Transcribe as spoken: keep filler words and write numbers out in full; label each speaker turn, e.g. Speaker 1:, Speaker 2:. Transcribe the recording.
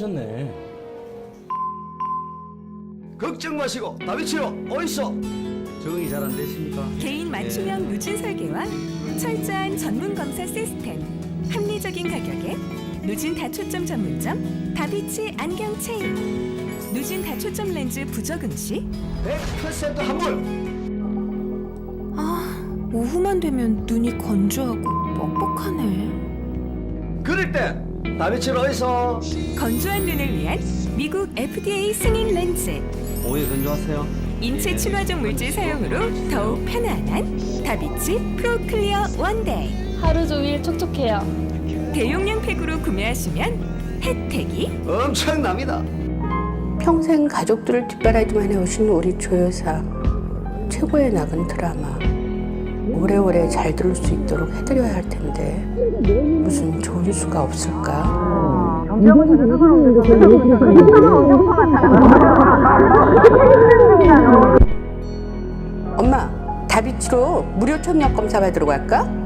Speaker 1: 졌네.
Speaker 2: 걱정 마시고 다비치로 어딨어?
Speaker 1: 적응이 잘 안 되십니까?
Speaker 3: 개인 맞춤형 누진 설계와 철저한 전문 검사 시스템, 합리적인 가격에 누진 다초점 전문점 다비치 안경 체인, 누진 다초점 렌즈 부적응 시
Speaker 2: 백 퍼센트 환불.
Speaker 3: 아, 오후만 되면 눈이 건조하고 뻑뻑하네.
Speaker 2: 그럴 때 다비치로 어딨어?
Speaker 3: 건조한 눈을 위한 미국 에프디에이 승인 렌즈,
Speaker 1: 오해 건조하세요.
Speaker 3: 인체 친화적 물질 사용으로 더욱 편안한 다비치 프로 클리어 원데이.
Speaker 4: 하루 종일 촉촉해요.
Speaker 3: 대용량 팩으로 구매하시면 혜택이
Speaker 2: 엄청납니다.
Speaker 5: 평생 가족들을 뒷바라지만 해오신 우리 조 여사, 최고의 낙은 드라마. 오래오래 잘 들을 수 있도록 해드려야 할 텐데 무슨 좋은 수가 없을까? 엄마, 다비치로 무료 청력 검사 받으러 갈까?